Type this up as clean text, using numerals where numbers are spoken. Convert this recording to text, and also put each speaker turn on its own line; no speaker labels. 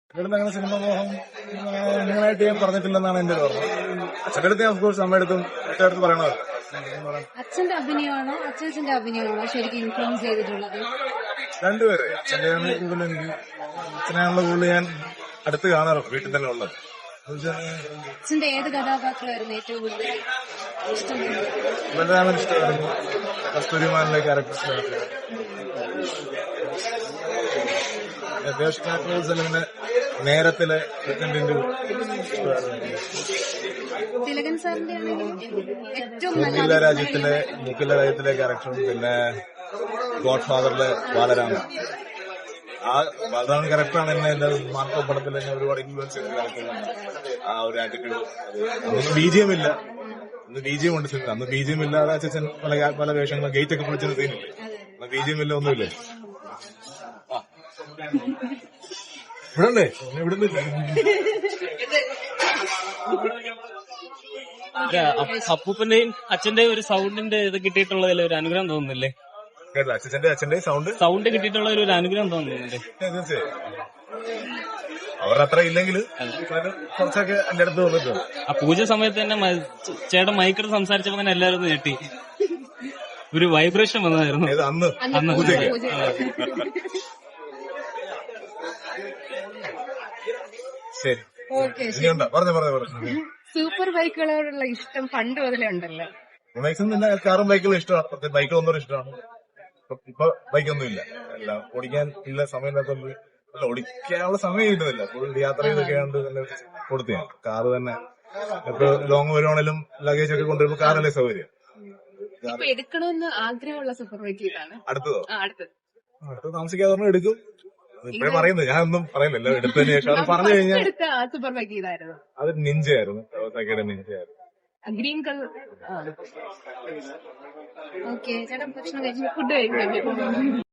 ഇവിടുന്ന് അങ്ങനെ സിനിമ മോഹം അങ്ങനെയായിട്ട് ഞാൻ പറഞ്ഞിട്ടില്ലെന്നാണ് എന്റെ ഒരു ഓർമ്മ. അച്ഛൻ്റെ അടുത്ത് ഞാൻ ഓഫ്കോഴ്സ് അമ്മയുടെ അടുത്തും വീട്ടുകാരടുത്ത് പറയണത്.
അച്ഛന്റെ അഭിനയമാണോ അച്ഛന്റെ അഭിനയമാണോ ശരിക്കും ഇൻഫ്ലുവൻസ് ചെയ്തിട്ടുള്ളത്?
രണ്ടുപേര്. അച്ഛൻ്റെയാണ് കൂടുതൽ എനിക്ക്. അച്ഛനെയാണല്ലോ കൂടുതൽ ഞാൻ അടുത്ത് കാണാറുണ്ട്, വീട്ടിൽ തന്നെ ഉള്ളത്.
അച്ഛന്റെ ഏത് കഥാപാത്രമായിരുന്നു ഏറ്റവും കൂടുതൽ ഇഷ്ടം?
ബലരാമൻ ഇഷ്ടമായിരുന്നു, കസ്തൂരിമാനിലെ ക്യാരക്ടർ ഇഷ്ടമായിരുന്നു. ദേവസ്വത്തിന്റെ നേരത്തിലെ പ്രസിഡന്റിന്റെ
തിലകൻ സാറിന്റെ ഏറ്റവും
മുക്കില രാജ്യത്തിലെ ക്യാരക്ടറും പിന്നെ ഗോഡ് ഫാദറിലെ ബാലരാമൻ. ആ ബാലരാമൻ ക്യാരക്ടറാണ് എന്നെ എന്റെ മാർക്കോ പടത്തിൽ എന്നെ ഒരുപാട് ഇൻഫ്ലുവൻസ് ചെയ്ത ക്യാരക്ടറാണ്. ആ ഒരു ആറ്റിറ്റ്യൂഡ്. അന്ന് ബിജിഎം ഇല്ല, അന്ന് ബിജിഎം ഉണ്ട് സിനിമ. അന്ന് ബിജിഎം ഇല്ലാതെ അച്ഛൻ പല വേഷങ്ങളും ഗേറ്റ് ഒക്കെ പൊളിച്ചൊരു സീനില്ലേ. അന്ന് ബിജിഎം ഇല്ല, ഒന്നുമില്ലേ. ഇവിടെ ഇവിടുന്നില്ല.
അപ്പൂപ്പന്റെയും അച്ഛന്റെയും ഒരു സൗണ്ടിന്റെ ഇത് കിട്ടിയിട്ടുള്ളതിൽ ഒരു അനുഗ്രഹം തോന്നുന്നില്ലേ?
അച്ഛന്റെ സൗണ്ട്
കിട്ടിയിട്ടുള്ള ഒരു അനുഗ്രഹം തോന്നുന്നില്ലേ?
തീർച്ചയായും. അവരത്ര ഇല്ലെങ്കിൽ കുറച്ചൊക്കെ എന്റെ അടുത്ത് വന്നിട്ടുണ്ട്.
ആ പൂജ സമയത്ത് തന്നെ ചേട്ടൻ മൈക്കിട്ട് സംസാരിച്ചപ്പോ തന്നെ എല്ലാവരും ഞെട്ടി, ഒരു വൈബ്രേഷൻ വന്നതായിരുന്നു
അന്ന് പൂജയ്ക്ക്. ശരി, ഇനിയുണ്ടോ? പറഞ്ഞു.
സൂപ്പർ ബൈക്കുകളോടുള്ള ഇഷ്ടം പണ്ട് മുതലേ ഉണ്ടല്ലോ.
ബൈക്കൊന്നും കാറും ബൈക്കുകളും ഇഷ്ടമാണ്. ബൈക്കുകളൊന്നും ഇഷ്ടമാണ്. ഇപ്പൊ ബൈക്കൊന്നും ഇല്ല, എല്ലാം ഓടിക്കാൻ ഇല്ല, സമയമില്ലാത്തതുകൊണ്ട്. അല്ല, ഓടിക്കാനുള്ള സമയം കിട്ടുന്നില്ല. ഫുൾ യാത്ര ചെയ്തൊക്കെ ആണ്ട് തന്നെ കൊടുത്തു ഞാൻ. കാറ് തന്നെ ഇപ്പൊ ലോങ് വരുവാണെങ്കിലും ലഗേജ് ഒക്കെ കൊണ്ടുവരുമ്പോ കാറല്ലേ സൗകര്യം.
എടുക്കണമെന്ന് ആഗ്രഹമുള്ള സൂപ്പർ ബൈക്ക് ഇതാണ്.
അടുത്തതോ?
അടുത്ത്
താമസിക്കാതെ എടുക്കും. ഇപ്പഴേ പറയുന്നത്, ഞാനൊന്നും പറയുന്നില്ല. എടുത്തതിന് ശേഷം അത് പറഞ്ഞു കഴിഞ്ഞാൽ
സൂപ്പർ ബൈക്ക് ഇതായിരുന്നു.
അത് നിഞ്ചയായിരുന്നു, നിഞ്ചയായിരുന്നു.
Green colour. ഓക്കെ ചേട്ടാ, ഭക്ഷണം കഴിച്ചു, ഫുഡ് കഴിച്ചു.